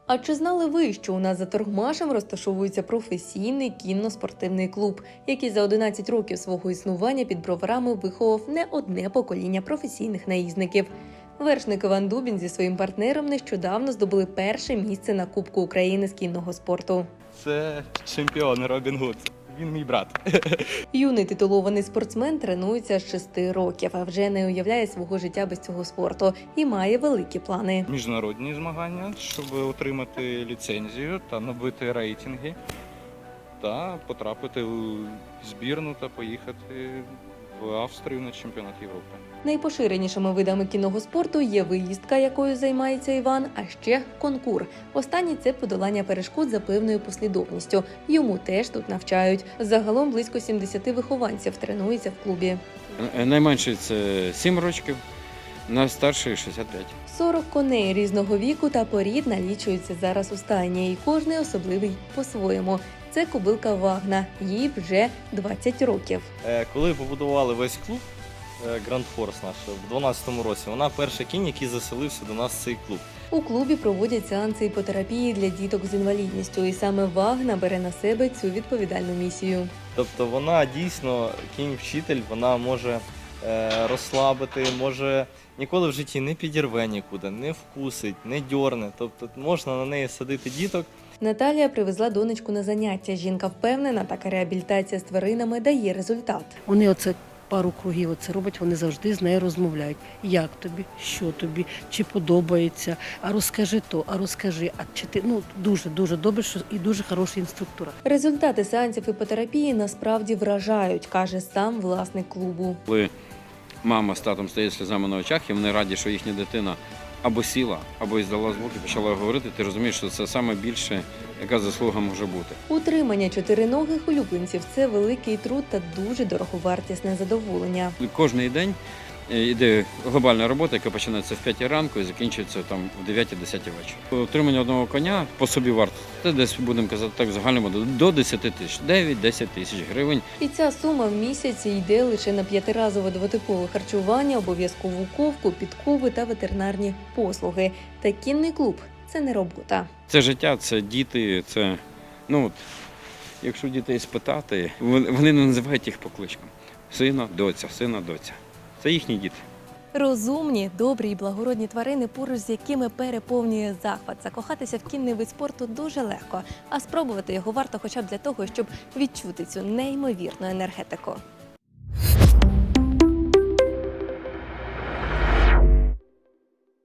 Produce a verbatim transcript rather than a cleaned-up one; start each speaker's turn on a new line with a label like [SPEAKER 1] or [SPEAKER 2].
[SPEAKER 1] А чи знали ви, що у нас за Торгмашем розташовується професійний кінно-спортивний клуб, який за одинадцять років свого існування під Броварами виховав не одне покоління професійних наїзників? Вершник Іван Дубін зі своїм партнером нещодавно здобули перше місце на Кубку України з кінного спорту.
[SPEAKER 2] Це чемпіон Робін Гуд. Він мій брат.
[SPEAKER 1] Юний титулований спортсмен тренується з шести років, а вже не уявляє свого життя без цього спорту і має великі плани.
[SPEAKER 2] Міжнародні змагання, щоб отримати ліцензію та набити рейтинги, та потрапити у збірну та поїхати в Австрію на чемпіонат Європи.
[SPEAKER 1] Найпоширенішими видами кінного спорту є виїздка, якою займається Іван, а ще конкур. Останній – це подолання перешкод за певною послідовністю. Йому теж тут навчають. Загалом близько сімдесят вихованців тренуються в клубі.
[SPEAKER 3] Найменший – це сім років, найстарший – шістдесят п'ять.
[SPEAKER 1] сорок коней різного віку та порід налічуються зараз у стайні, і кожний особливий по-своєму. Це кобилка Вагна, їй вже двадцять років.
[SPEAKER 4] Коли побудували весь клуб, Grand Force наш, в дванадцятому році, вона перший кінь, який заселився до нас в цей клуб.
[SPEAKER 1] У клубі проводять сеанси іпотерапії для діток з інвалідністю, і саме Вагна бере на себе цю відповідальну місію.
[SPEAKER 4] Тобто вона дійсно кінь-вчитель, вона може е, розслабити, може ніколи в житті не підірве нікуди, не вкусить, не дьорне. Тобто можна на неї садити діток.
[SPEAKER 1] Наталія привезла донечку на заняття. Жінка впевнена, така реабілітація з тваринами дає результат.
[SPEAKER 5] Вони оце пару кругів оце роблять, вони завжди з нею розмовляють. Як тобі, що тобі, чи подобається, а розкажи то, а розкажи, а чи ти, ну, дуже-дуже добре, що і дуже хороший інструктор.
[SPEAKER 1] Результати сеансів іпотерапії насправді вражають, каже сам власник клубу.
[SPEAKER 3] Коли мама з татом стоять сльозами на очах, і вони раді, що їхня дитина або сіла, або здала звуки, почала говорити, ти розумієш, що це саме більше, яка заслуга може бути.
[SPEAKER 1] Утримання чотириногих улюбленців – це великий труд та дуже дороговартісне задоволення.
[SPEAKER 3] Кожний день йде глобальна робота, яка починається в п'ятій ранку і закінчується там в дев'ятій-десятій вечора. Утримання одного коня по собі варто. Це десь, будемо казати так, в загальному до десяти тисяч, дев'ять-десять тисяч гривень.
[SPEAKER 1] І ця сума в місяць йде лише на п'ятиразове двотипове харчування, обов'язкову ковку, підкови та ветеринарні послуги. Та кінний клуб – це не робота.
[SPEAKER 3] Це життя, це діти, це, ну, якщо дітей спитати, вони не називають їх по кличкам. Сина, доця, сина, доця. Це їхні діти.
[SPEAKER 1] Розумні, добрі і благородні тварини, поруч з якими переповнює захват. Закохатися в кінний вид спорту дуже легко, а спробувати його варто хоча б для того, щоб відчути цю неймовірну енергетику.